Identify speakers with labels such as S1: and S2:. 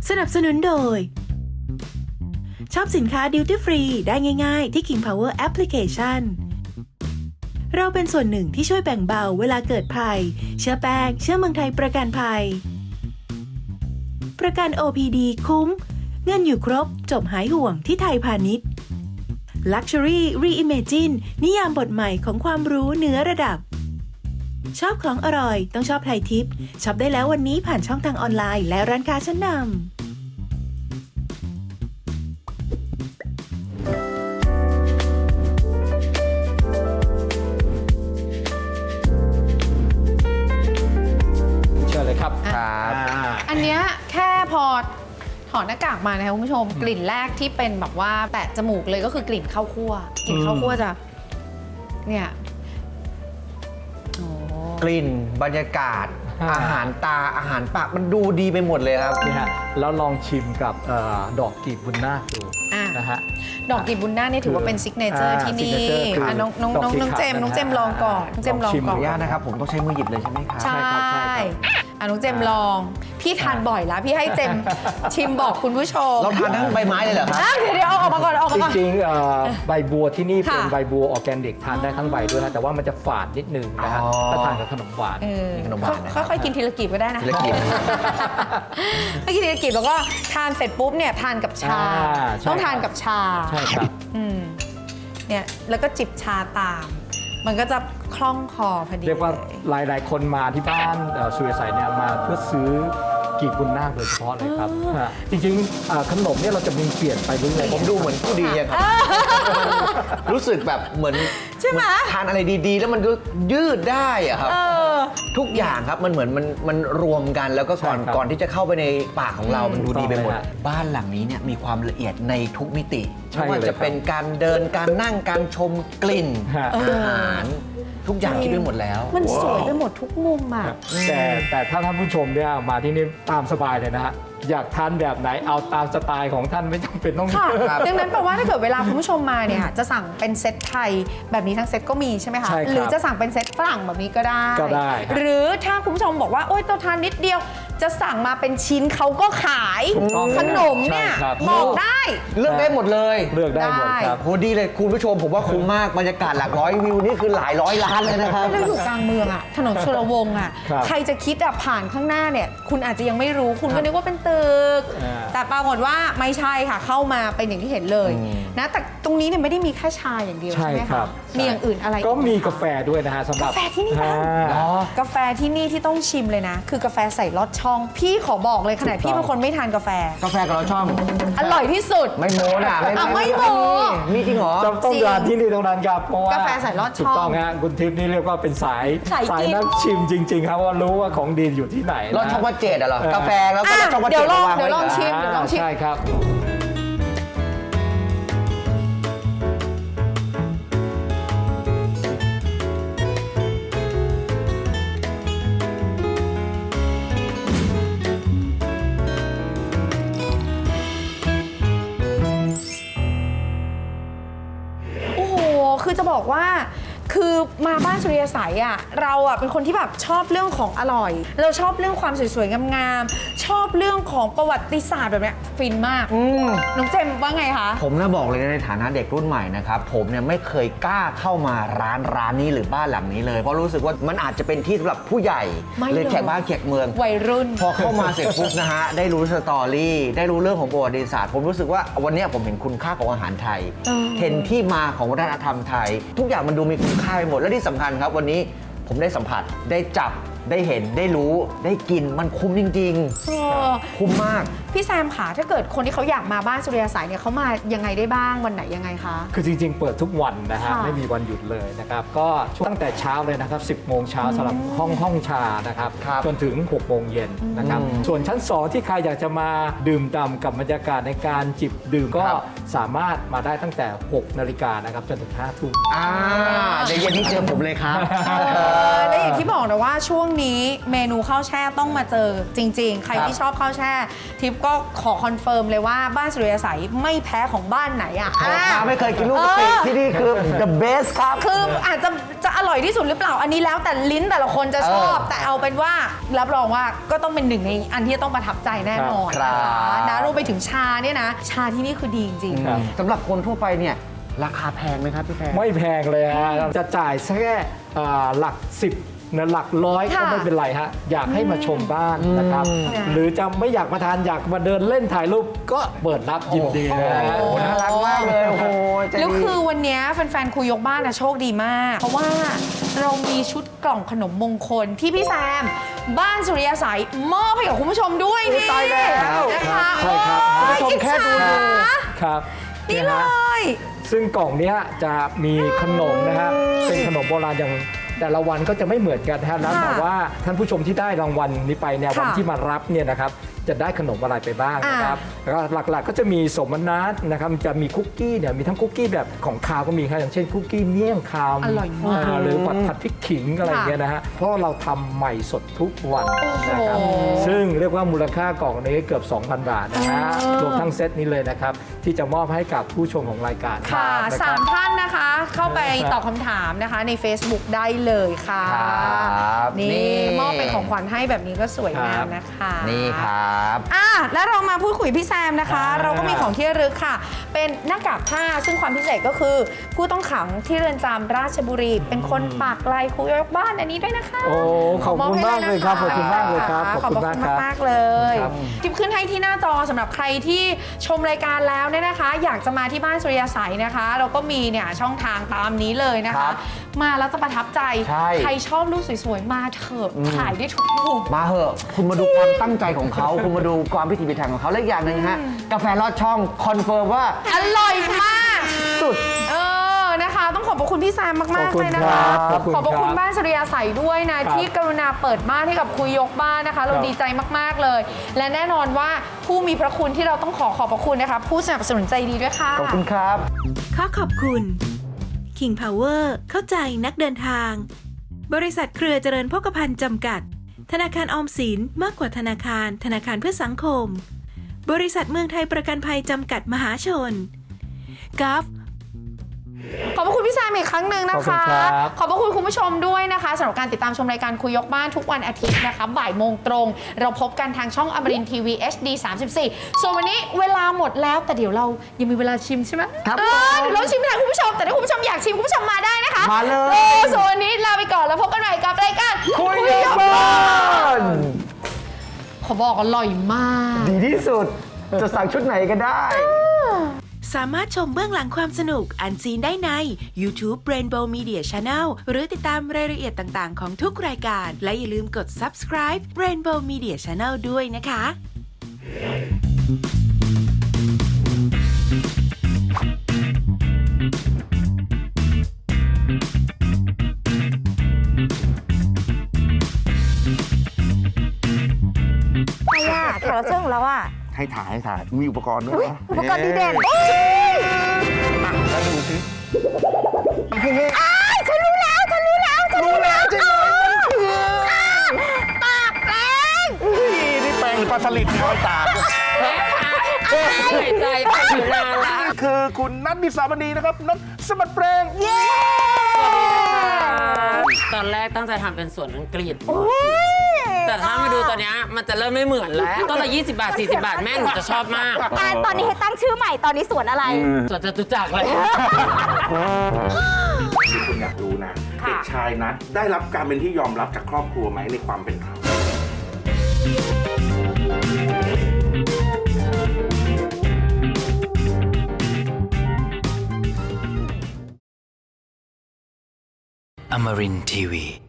S1: สนับสนุนโดยชอบสินค้า Duty Free ได้ง่ายๆที่ King Power Application เราเป็นส่วนหนึ่งที่ช่วยแบ่งเบาเวลาเกิดภัยเชื่อแป้งเชื่อเมืองไทยประกันภัยประกัน OPD คุ้มเงินอยู่ครบจบหายห่วงที่ไทยพาณิชย์ Luxury Reimagine นิยามบทใหม่ของความรู้เหนือระดับชอบของอร่อยต้องชอบไทยทิปช็อปได้แล้ววันนี้ผ่านช่องทางออนไลน์และร้านค้าชั้นนำ
S2: ครับ
S3: อันเนี้ยแค่พอถอดหน้ากากมานะคะคุณผู้ชมกลิ่นแรกที่เป็นแบบว่าแตะจมูกเลยก็คือกลิ่นข้าวคั่วกลิ่นข้าวคั่วจะเนี่ย
S4: กลิ่นบรรยากาศอาหารตาอาหารปากมันดูดีไปหมดเลยครับ
S2: นี่ฮะแล้วลองชิมกับดอกกีบบุญนาคดูนะฮะ
S3: ดอกกีบบุญนาคเนี่ยถือว่าเป็นซิกเนเจอร์ที่นี่น้องเจมลองก่อนน้องเจมลองก่อน
S4: ขออนุญาตนะครับผมต้องใช้มือหยิบเลยใช่ไหมครับ
S3: ใช่น้องเจมลองพี่ทานบ่อยแล้วพี่ให้เจมชิมบอกคุณผู้ชม
S4: เราทานทั้งใบไม้เลยเหรอครับ
S3: เดี๋ยวออกมาก่อน
S2: จริงๆใบบัวที่นี่เป็นใบบัวออร์แกนิกทานได้ทั้งใบด้วยนะแต่ว่ามันจะฝาดนิดนึงนะฮะถ้าทานกับขนมหวาน
S3: ค่อยๆกินทีละกีบก็ได้นะ
S4: ทีละกีบ
S3: ไม่กินทีละกีบแล้วก็ทานเสร็จปุ๊บเนี่ยทานกับชาต้องทานกับชา
S2: ใช่ครับ
S3: เนี่ยแล้วก็จิบชาตามมันก็จะคล่องคอพอดี
S2: เรียกว่าหลายคนมาที่บ้านสุริยสัยเนี่ยมาเพื่อซื้อกีบบุญนาคโดยเฉพาะเลยครับจริงๆขนมเนี่ยเราจะมีเปลี่ยนไปเรื่อยๆ
S4: ผมดูเหมือนผู้ดีครับรู้สึกแบบเหมือนทานอะไรดีๆแล้วมันก็ยืดได้อะครับทุกอย่างครับมันเหมือนมันรวมกันแล้วก็ก่อนที่จะเข้าไปในปากของเรามันดูดีไปหมดบ้านหลังนี้เนี่ยมีความละเอียดในทุกมิติไม่ว่าจะเป็นการเดินการนั่งการชมกลิ่นอาหารทุกอย่างคิดไปหมดแล้ว
S3: มันสวยไปหมดทุกมุมอ่ะ
S2: แต่ถ้าท่านผู้ชมเนี่ยมาที่นี่ตามสบายเลยนะฮะอยากทานแบบไหนเอาตามสไตล์ของท่านไม่จำเป็นต้อง
S3: ค่ะดังนั้นแปลว่าถ้าเกิดเวลาคุณผู้ชมมาเนี่ยจะสั่งเป็นเซตไทยแบบนี้ทั้งเซตก็มีใช่ไหมคะหรือจะสั่งเป็นเซตฝรั่งแบบนี้ก็ได้หรือถ้าคุณผู้ชมบอกว่าโอ๊ยเราทานนิดเดียวจะสั่งมาเป็นชิ้นเขาก็ขายขนมเนี่ยบอกได้
S4: เลือกได้หมดเลย
S2: เลือกได้หมดครับ
S4: โหดีเลยคุณผู้ชมผมว่าคุ้มมากบรรยากาศหลักร้อยวิวนี่คือหลายร้อยล้านเลยนะครับ
S3: เราอยู่กลางเมืองอ่ะถนนสุรวงศ์อ่ะใครจะคิดอ่ะผ่านข้างหน้าเนี่ยคุณอาจจะยังไม่รู้คุณก็นึกว่าเป็นตึกแต่ปรากฏว่าไม่ใช่ค่ะเข้ามาเป็นอย่างที่เห็นเลยนะแต่ตรงนี้เนี่ยไม่ได้มีแค่ชาอย่างเดียวใช่ไหมคะมีอย่างอื่นอะไร
S2: ก็มีกาแฟด้วยนะฮะสำหรับ
S3: กาแฟที่นี่บ้างกาแฟที่นี่ที่ต้องชิมเลยนะคือกาแฟใส่ลอดช่องพี่ขอบอกเลยขนาดพี่เป็นคนไม่ทานกาแฟ
S4: กับลอดช่อง
S3: อร่อยที่สุด
S4: ไม่โม้นะ
S3: ไม่โม้
S4: มีจริงเหรอ
S2: ต้องทานที่นี่ตรงนั้นครับเพราะว่าก
S3: าแฟใส่ลอดช่อง
S2: ถูกต้องฮะคุณทิพย์นี่เรียกว่าเป็นสายนักชิมจริงๆครับว่ารู้ว่าของดีอยู่ที่ไหน
S4: ลอดช่องวัดเจดเหรอกาแฟแล้วก็ลอดช่องวัดเจด
S3: เดี๋ยวลองชิม
S2: ใช่ครับ
S3: คือจะบอกว่าคือมาบ้านสุริยสัยอ่ะเราอ่ะเป็นคนที่แบบชอบเรื่องของอร่อยเราชอบเรื่องความสวยๆงามๆชอบเรื่องของประวัติศาสตร์แบบนี้ฟินมากน้องเจมว่าไงคะ
S4: ผมน่าบอกเลยในฐานะเด็กรุ่นใหม่นะครับผมเนี่ยไม่เคยกล้าเข้ามาร้านนี้หรือบ้านหลังนี้เลยเพราะรู้สึกว่ามันอาจจะเป็นที่สำหรับผู้ใหญ่เลยแขกบ้านแขกเมือง
S3: วัยรุ่น
S4: พอเข้ามาเสร็จปุ๊บนะฮะได้รู้สตอรี่ได้รู้เรื่องของประวัติศาสตร์ผมรู้สึกว่าวันนี้ผมเห็นคุณค่าของอาหารไทยเห็นที่มาของวัฒนธรรมไทยทุกอย่างมันดูมีคุณค่าไปหมดและที่สำคัญครับวันนี้ผมได้สัมผัสได้จับได้เห็นได้รู้ได้กินมันคุ้มจริงๆคุ้มมาก
S3: พี่แซมค่ะถ้าเกิดคนที่เขาอยากมาบ้านสุริยสัยเนี่ยเขามายังไงได้บ้างวันไหนยังไงคะ
S2: คือจริงๆเปิดทุกวันนะฮะไม่มีวันหยุดเลยนะครับก็ตั้งแต่เช้าเลยนะครับ10 โมงเช้าสำหรับห้องชานะครับจนถึง6 โมงเย็นนะครับส่วนชั้น2ที่ใครอยากจะมาดื่มด่ำกับบรรยากาศในการจิบดื่มก็สามารถมาได้ตั้งแต่6 นาฬิกานะครับจนถึง5 ทุ่ม
S4: เดี๋ยวเย็นนี้เจอผมเลยครับ
S3: และอย่างที่บอกนะว่าช่วงวงนี้เมนูข้าวแช่ต้องมาเจอจริงๆ ใครที่ชอบข้าวแช่ทิปก็ขอคอนเฟิร์มเลยว่าบ้านสุริยสัยไม่แพ้ของบ้านไหนอ่ะ
S4: มาไม่เคยกินลูกกะปิที่นี่คือ the best ครับ
S3: คืออาจจะอร่อยที่สุดหรือเปล่าอันนี้แล้วแต่ลิ้นแต่ละคนจะชอบ แต่เอาเป็นว่ารับรองว่าก็ต้องเป็นหนึ่งในอันที่ต้องประทับใจแน่นอน
S4: ครับ
S3: นะคะนะรวมไปถึงชาเนี่ยนะ ชาที่นี่คือดีจริง
S2: ครับ
S4: สำหรับคนทั่วไปเนี่ยราคาแพงไหมครับพี่แพง
S2: ไม่แพงเลยฮะจะจ่ายแค่หลัก 10นะหลักร้อยก็
S3: ค่ะ
S2: ไม่เป็นไรฮะอยากให้มาชมบ้านนะครับ หรือจะไม่อยากมาทานอยากมาเดินเล่นถ่ายรูปก็เปิดรับยินดีนะฮะ
S4: โอ้น่ารักมากเลยโอ้โหใจ
S3: แล้ว
S4: ดี
S3: คือวันเนี้ยแฟนๆคุยยกบ้านนะโชคดีมาก เพราะว่าเรามีชุดกล่องขนมมงคลที่พี่แซม บ้านสุริยสัยมอบให้กับคุณผู้ชมด้วยนี่
S4: ตายแล้ว
S3: นะคะ
S2: ใช่ครับ
S3: โอ้ย
S4: คุณผู้ชมแค่ดู
S3: อิจฉา
S2: ครับ
S3: นี่เล
S2: ฮะ
S3: ย
S2: ซึ่งกล่องเนี้ยจะมีขนมนะฮะเป็นขนมโบราณอย่างแต่ละวันก็จะไม่เหมือนกันนะฮะแล้วแต่ว่าท่านผู้ชมที่ได้รางวัลนี้ไปเนี่ย
S3: ค่ะ
S2: วันที่มารับเนี่ยนะครับจะได้ขนมอะไรไปบ้างนะครับแล้วก็หลักๆก็จะมีสมนัตนะครับจะมีคุกกี้เนี่ยมีทั้งคุกกี้แบบของคาวก็มีครับอย่างเช่นคุกกี้เมี่ยงคาว
S3: อร่อยมาก
S2: หรือผัดพริกขิงอะไรอย่างเงี้ยนะฮะเพราะเราทำใหม่สดทุกวันนะครับ
S3: โอ้โห
S2: ซึ่งเรียกว่ามูลค่ากล่องนี้เกือบ 2,000 บาทนะฮะรวมทั้งเซตนี้เลยนะครับที่จะมอบให้กับผู้ชมของรายการ
S3: ค่ะ
S2: นะครับ
S3: สามท่านนะคะ เข้าไปตอบคำถามนะคะใน Facebook ได้เลยค่ะ
S4: ครับ
S3: นี่
S4: นี่
S3: มอบเป็นของขวัญให้แบบนี้ก็สวยงามนะคะ
S4: นี่ครับ
S3: แล้วเรามาพูดคุยพี่แซมนะคะ
S2: อ่า
S3: เราก็มีของที่ระลึกค่ะ เป็นหน้ากากผ้าซึ่งความพิเศษก็คือ ผู้ต้องขังที่เรือนจำราชบุรี เป็นคนปากลายคุยยกบ้านอันนี้ด้วยนะคะ
S2: โอ้ขอบคุณมากเลยครับขอบคุณมากเลยครับ
S3: ขอบคุณมากๆเลย
S2: ครับ
S3: ทิปขึ้นให้ที่หน้าจอสำหรับใครที่ชมรายการแล้วเนี่ยนะคะ อยากจะมาที่บ้านสุริยสัยนะคะ เราก็มีเนี่ยช่องทางตามนี้เลยนะ
S4: ครั
S3: คะ
S4: บ
S3: มาแล้วจะประทับใจ
S4: ใช่
S3: ใครชอบรูปสวยๆมาเถอะถ่ายได้ทุกมุม
S4: มาเหอะ คุณมาดูความตั้งใจของเขา คุณมาดูความพิถีพิถันของเขาและอีกอย่างหนึ่งฮะ กาแฟลอดช่องคอนเฟิร์มว่า
S3: อร่อยมาก
S4: สุด
S3: นะคะ ต้องขอบพระคุณพี่แซมมาก
S2: ขอบ
S3: ๆ
S2: คุณ
S3: เลยนะคะ
S2: ครับ
S3: ขอบพระคุณ
S2: ครับ
S3: บ้านสุริยาใสด้วยนะ
S2: ครับ
S3: ที่กรุณาเปิดบ้านให้กับคุยยกบ้านนะคะ เรา
S2: ครับ
S3: ดีใจมาก ๆ เลย และแน่นอนว่าผู้มีพระคุณที่เราต้องขอบพระคุณนะคะ ผู้สนับสนุนใจดีด้วยค่ะ
S4: ขอบคุณครับ
S1: ขอขอบคุณ King Power เข้าใจนักเดินทาง บริษัทเครือเจริญโภคภัณฑ์จำกัด ธนาคารออมสินมากกว่าธนาคาร ธนาคารเพื่อสังคม บริษัทเมืองไทยประกันภัยจำกัดมหาชนกัฟ
S3: ขอบพระคุณพี่แซมอีกครั้งหนึ่งนะคะ
S2: ขอบคุณครับ
S3: ขอบพระคุณคุณผู้ชมด้วยนะคะสำหรับการติดตามชมรายการคุยยกบ้านทุกวันอาทิตย์นะคะบ่ายโมงตรง เราพบกันทางช่องอมรินทร์ทีวี HD 34 ส่วนวันนี้เวลาหมดแล้วแต่เดี๋ยวเรายังมีเวลาชิมใช่ไหม
S4: ครับ
S3: เดี๋ยวเราชิมแทนคุณผู้ชมแต่ถ้าคุณผู้ชมอยากชิมคุณผู้ชมมาได้นะคะ
S4: มาเลย
S3: ส่วนวันนี้ลาไปก่อนแล้วพบกันใหม่กับรายการ
S4: คุยยกบ้าน
S3: ขอบอกอร่อยมาก
S4: ดีที่สุด จะสั่งชุดไหนก็ได้
S1: สามารถชมเบื้องหลังความสนุกอันซีนได้ใน YouTube Rainbow Media Channel หรือติดตามรายละเอียดต่างๆของทุกรายการ และอย่าลืมกด subscribe Rainbow Media Channel ด้วยนะคะ
S5: ใครอะแขกรับเชิญของเราอะ
S6: ให้ถ่าย มีอุปกรณ์ด้วย
S5: อุ๊ย
S6: นะ
S5: อุปกรณ์ดีเด่น
S6: แล้วดูสิ
S5: ฉันรู้แล้ว
S6: รู้แล้วใช่ไหมมันคือ
S5: ปากแป้ง
S6: นี่แปลงหรือปลาสลิดเนี่ยเอาตาก
S7: ใจไปอยู่นานละ
S6: นี่คือคุณนัทมิสามณีนะครับนัทสมัติแปลง
S5: เย้
S7: ตอนแรกตั้งใจทำเป็นสวนอังกฤษ แต่ถ้ามาดูตอนเนี้ยมันจะเริ่มไม่เหมือนแล้วต้นละ20 บาท 40 บาทแม่หนูจะชอบมาก
S5: ตอนนี้ให้ตั้งชื่อใหม่ตอนนี้สวนอะไร
S7: สวนจตุจักรเลย
S6: ที่คุณอยากรู้นะ เด็กชายนัทได้รับการเป็นที่ยอมรับจากครอบครัวไหมในความเป็นเขา
S8: Amarin Tiwi.